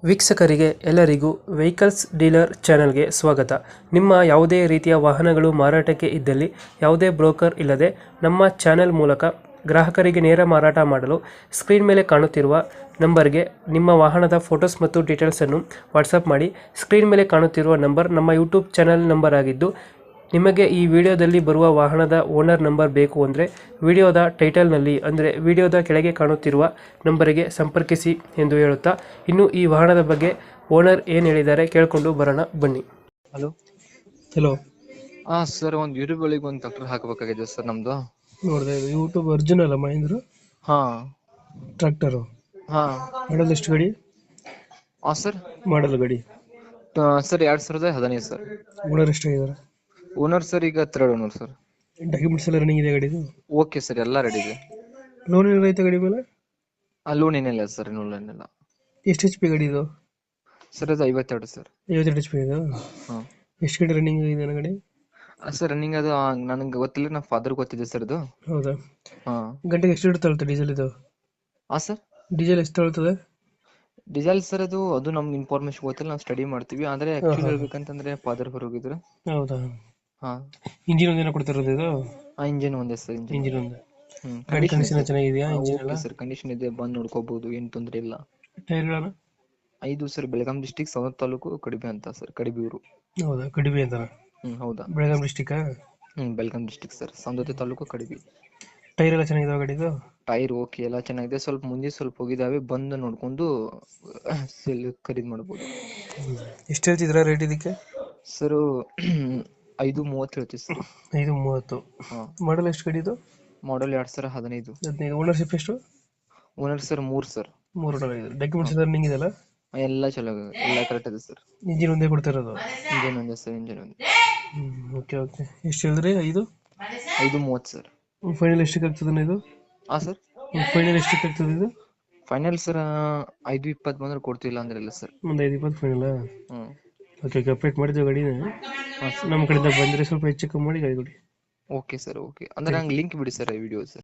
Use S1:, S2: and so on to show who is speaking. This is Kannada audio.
S1: ವೀಕ್ಷಕರಿಗೆ ಎಲ್ಲರಿಗೂ ವೆಹಿಕಲ್ಸ್ ಡೀಲರ್ ಚಾನೆಲ್ಗೆ ಸ್ವಾಗತ. ನಿಮ್ಮ ಯಾವುದೇ ರೀತಿಯ ವಾಹನಗಳು ಮಾರಾಟಕ್ಕೆ ಇದ್ದಲ್ಲಿ ಯಾವುದೇ ಬ್ರೋಕರ್ ಇಲ್ಲದೆ ನಮ್ಮ ಚಾನೆಲ್ ಮೂಲಕ ಗ್ರಾಹಕರಿಗೆ ನೇರ ಮಾರಾಟ ಮಾಡಲು ಸ್ಕ್ರೀನ್ ಮೇಲೆ ಕಾಣುತ್ತಿರುವ ನಂಬರ್ಗೆ ನಿಮ್ಮ ವಾಹನದ ಫೋಟೋಸ್ ಮತ್ತು ಡೀಟೇಲ್ಸನ್ನು ವಾಟ್ಸಪ್ ಮಾಡಿ. ಸ್ಕ್ರೀನ್ ಮೇಲೆ ಕಾಣುತ್ತಿರುವ ನಂಬರ್ ನಮ್ಮ ಯೂಟ್ಯೂಬ್ ಚಾನೆಲ್ ನಂಬರ್ ಆಗಿದ್ದು, ನಿಮಗೆ ಈ ವಿಡಿಯೋದಲ್ಲಿ ಬರುವ ವಾಹನದ ಓನರ್ ನಂಬರ್ ಬೇಕು ಅಂದರೆ ವಿಡಿಯೋದ ಟೈಟಲ್ನಲ್ಲಿ ಅಂದರೆ ವಿಡಿಯೋದ ಕೆಳಗೆ ಕಾಣುತ್ತಿರುವ ನಂಬರಿಗೆ ಸಂಪರ್ಕಿಸಿ ಎಂದು ಹೇಳುತ್ತಾ, ಇನ್ನು ಈ ವಾಹನದ ಬಗ್ಗೆ ಓನರ್ ಏನು ಹೇಳಿದ್ದಾರೆ ಕೇಳಿಕೊಂಡು ಬರೋಣ ಬನ್ನಿ.
S2: ಹಲೋ.
S1: ಹಲೋ,
S2: ಹಾ ಸರ್, ಒಂದು ಯೂಟ್ಯೂಬ್ ಒಳಗೆ ಒಂದು ಟ್ರ್ಯಾಕ್ಟರ್ ಹಾಕಬೇಕಾಗಿದೆ ಸರ್ ನಮ್ದು.
S1: ನೋಡಿದೆ ಇದು ಯೂಟ್ಯೂಬ್ ಅರ್ಜುನ್ ಅಲ್ಲ ಮಹೇಂದ್ರ
S2: ಹಾ
S1: ಟ್ರ್ಯಾಕ್ಟರು.
S2: ಹಾ
S1: ಮಾಡಲ್ ಎಷ್ಟು ಗಾಡಿ?
S2: ಹಾ ಸರ್.
S1: ಮಾಡಲ್ ಗಾಡಿ
S2: ಸರ್ 2015 ಸರ್.
S1: ಓನರ್ ಎಷ್ಟಾಗಿದ್ದಾರೆ?
S2: ಓನರ್ ಸರ್ ಈಗ 3rd ಓನರ್ ಸರ್.
S1: ಡಾಕ್ಯುಮೆಂಟ್ಸ್ ಎಲ್ಲ ರನ್ನಿಂಗ್ ಇದೆ ಗಾಡಿದು?
S2: ಓಕೆ ಸರ್, ಎಲ್ಲ ರೆಡಿ ಇದೆ.
S1: ಲೋನ್ ಏನೈತೆ ಗಾಡಿ ಮೇಲೆ?
S2: ಲೋನ್ ಏನಿಲ್ಲ ಸರ್, ಲೋನ್ ಏನಿಲ್ಲ.
S1: ಎಷ್ಟು ಎಚ್ ಪಿ ಗಾಡಿ ಇದು?
S2: ಸರ್ ಅದು 52 ಸರ್.
S1: 52 ಎಚ್ ಪಿ ಇದು.
S2: ಹಾ
S1: ಎಷ್ಟು ಗಂಟೆ ರನ್ನಿಂಗ್ ಇದೆ ಗಾಡಿ?
S2: ಸರ್ ರನ್ನಿಂಗ್ ಅದು ನನಗೆ ಗೊತ್ತಿಲ್ಲ, ನಮ್ಮ ಫಾದರ್ ಗೊತ್ತಿದೆ ಸರ್ ಇದು.
S1: ಹೌದಾ?
S2: ಹಾ
S1: ಗಂಟೆಗೆ ಎಷ್ಟು ತಗೊಳ್ತದೆ ಡೀಸೆಲ್ ಇದು?
S2: ಹಾ ಸರ್.
S1: ಡೀಸೆಲ್ ಎಷ್ಟು ತಗೊಳ್ತದೆ?
S2: ಡೀಸೆಲ್ ಸರ್ ಅದು ನಮ್ಗೆ ಇನ್ಫಾರ್ಮೇಶನ್ ಗೊತ್ತಿಲ್ಲ, ನಾವು ಸ್ಟಡಿ ಮಾಡ್ತೀವಿ. ಆದ್ರೆ ಆಕ್ಚುಲಿ ಹೇಳ್ಬೇಕಂತಂದ್ರೆ ಫಾದರ್ ಹೊರಗಿದ್ರು.
S1: ಹೌದಾ?
S2: ಹಾ.
S1: ಇಂಜಿನ್ ಒಂದೇನ ಕೊಡ್ತಿರೋದು ಇದು?
S2: ಇಂಜಿನ್ ಒಂದೇ ಸರ್, ಇಂಜಿನ್.
S1: ಇಂಜಿನ್ ಒಂದು. ಗಾಡಿ ಕಂಡೀಷನ್ ಚೆನ್ನಾಗಿದೆಯಾ? ಇಂಜಿನ್ ಎಲ್ಲ
S2: ಸರ್ ಕಂಡೀಷನ್ ಇದೆ, ಬಂದು ನೋಡ್ಕೋಬಹುದು, ಏನು ತೊಂದ್ರೆ ಇಲ್ಲ.
S1: ಟೈರ್ಗಳನ್ನು?
S2: 5 ಸರ್. ಬೆಳಗಾಂ ಡಿಸ್ಟಿಕ್, ಸವಣೂರು ತಾಲೂಕು, ಕಡಿಬೆ ಅಂತ ಸರ್, ಕಡಿಬೂರು.
S1: ಹೌದಾ? ಕಡಿಮೆ ಅಂತ?
S2: ಹೌದಾ.
S1: Belgaum district?
S2: Belgaum district sir, Savanur taluk, Kadibe.
S1: Tyre ಎಲ್ಲ ಚೆನ್ನಾಗಿದಾವ ಗಾಡಿದು?
S2: ಟೈರ್ ಓಕೆ, ಎಲ್ಲ ಚೆನ್ನಾಗಿದೆ. ಸ್ವಲ್ಪ ಮುಂದೆ ಸ್ವಲ್ಪ ಹೋಗಿದಾವೆ, ಬಂದು ನೋಡ್ಕೊಂಡು ಖರೀದಿ ಮಾಡ್ಬೋದು.
S1: ಎಷ್ಟು ಹೇಳ್ತಿದ್ರ ರೇಟ್ ಇದಕ್ಕೆ?
S2: ಸರ್ 530 ಹೇಳ್ತೀವಿ ಸರ್.
S1: 530. ಮಾಡಲ್ ಎಷ್ಟು ಗಾಡಿ ಇದು?
S2: ಮಾಡಲ್ 2015.
S1: 15. ಓನರ್ಶಿಪ್ ಎಷ್ಟು?
S2: Owner sir 3 sir.
S1: 3 owner. Documents ಎಲ್ಲ ರನ್ನಿಂಗ್ ಇದೆಯಲ್ಲ?
S2: ಎಲ್ಲ ಚಲೋ, ಎಲ್ಲ ಕರೆಕ್ಟ್ ಇದೆ ಸರ್.
S1: ಇಂಜಿನ್ ಒಂದೇ ಕೊಡ್ತಿರೋದು?
S2: ಇಂಜಿನ್ ಒಂದೇ ಸರ್, ಇಂಜಿನ್ ಒಂದೇ.
S1: Okay okay. ಎಷ್ಟು ಹೇಳಿದ್ರಿ?
S2: 530 ಸರ್.
S1: ಫೈನಲ್ ಎಷ್ಟಕ್ಕೆ ಆಗ್ತದೆ ಇದು?
S2: ಹಾ ಸರ್.
S1: ಫೈನಲ್ ಎಷ್ಟಕ್ಕೆ ಆಗ್ತದೆ ಇದು?
S2: ಫೈನಲ್ ಸರ್ 520 ಬಂದ್ರೆ ಕೊಡ್ತಿಲ್ಲ ಅಂದ್ರೆ ಇಲ್ಲ ಸರ್.
S1: ಒಂದು 520 ಫೈನಲ್? Okay okay. ಅಪ್ಡೇಟ್ ಮಾಡಿದ್ವಿ ಗಾಡಿನ. ನಮ್ಮ ಕಡೆಯಿಂದ ಬಂದರೆ ಸ್ವಲ್ಪ ಹೆಚ್ಚು ಕಮ್ಮಿ ಮಾಡಿ ಗಾಡಿ ಕೊಡಿ.
S2: Okay sir, okay. ಅಂದ್ರೆ ನಂಗೆ ಲಿಂಕ್ ಬಿಡಿ ಸರ್, ಈ ವಿಡಿಯೋ ಸರ್.